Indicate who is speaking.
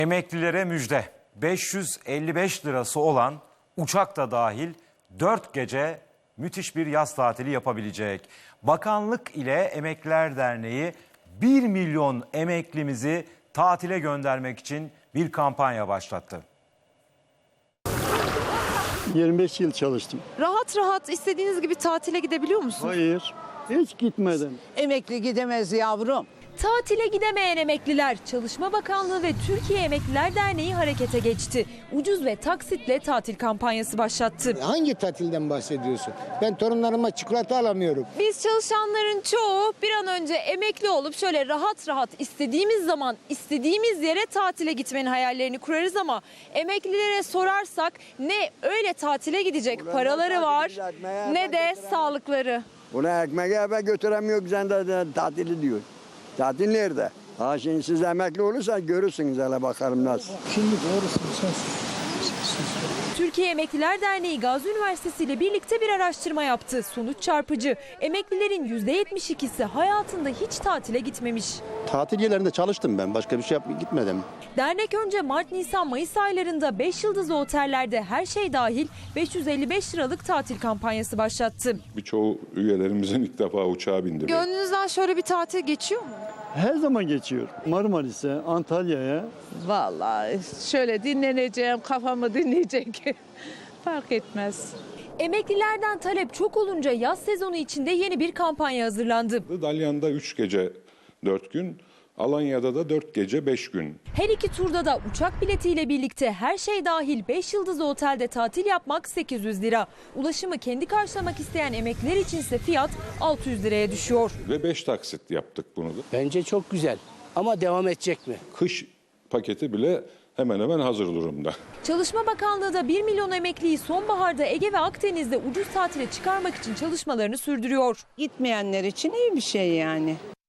Speaker 1: Emeklilere müjde. 555 lirası olan uçak da dahil 4 gece müthiş bir yaz tatili yapabilecek. Bakanlık ile Emekliler Derneği 1 milyon emeklimizi tatile göndermek için bir kampanya başlattı.
Speaker 2: 25 yıl çalıştım.
Speaker 3: Rahat rahat istediğiniz gibi tatile gidebiliyor musunuz?
Speaker 2: Hayır, hiç gitmedim.
Speaker 4: Emekli gidemez yavrum.
Speaker 3: Tatile gidemeyen emekliler, Çalışma Bakanlığı ve Türkiye Emekliler Derneği harekete geçti. Ucuz ve taksitle tatil kampanyası başlattı.
Speaker 5: Hangi tatilden bahsediyorsun? Ben torunlarıma çikolata alamıyorum.
Speaker 3: Biz çalışanların çoğu bir an önce emekli olup şöyle rahat rahat istediğimiz zaman istediğimiz yere tatile gitmenin hayallerini kurarız ama emeklilere sorarsak ne öyle tatile gidecek paraları var ne de sağlıkları.
Speaker 6: Buna ekmeği eve götüremiyor, sen de tatili diyor. Tatil nerede? Ha şimdi siz emekli olursanız görürsünüz, hele bakalım nasıl.
Speaker 3: Türkiye Emekliler Derneği Gazi Üniversitesi ile birlikte bir araştırma yaptı. Sonuç çarpıcı. Emeklilerin %72'si hayatında hiç tatile gitmemiş.
Speaker 7: Tatil yerlerinde çalıştım ben. Başka bir şey gitmedim.
Speaker 3: Dernek önce Mart, Nisan, Mayıs aylarında 5 yıldızlı otellerde her şey dahil 555 liralık tatil kampanyası başlattı.
Speaker 8: Birçoğu üyelerimizin ilk defa uçağa bindi.
Speaker 3: Gönlünüzden şöyle bir tatil geçiyor mu?
Speaker 2: Her zaman geçiyor. Marmaris'e, Antalya'ya.
Speaker 4: Vallahi şöyle dinleneceğim, kafamı dinleyecek. Fark etmez.
Speaker 3: Emeklilerden talep çok olunca yaz sezonu içinde yeni bir kampanya hazırlandı.
Speaker 8: Dalyan'da 3 gece 4 gün, Alanya'da da 4 gece 5 gün.
Speaker 3: Her iki turda da uçak biletiyle birlikte her şey dahil 5 yıldızlı otelde tatil yapmak 800 lira. Ulaşımı kendi karşılamak isteyen emekliler içinse fiyat 600 liraya düşüyor.
Speaker 8: Ve 5 taksit yaptık bunu da.
Speaker 9: Bence çok güzel ama devam edecek mi?
Speaker 8: Kış paketi bile hemen hemen hazır durumda.
Speaker 3: Çalışma Bakanlığı da 1 milyon emekliyi sonbaharda Ege ve Akdeniz'de ucuz tatile çıkarmak için çalışmalarını sürdürüyor.
Speaker 4: Gitmeyenler için iyi bir şey yani.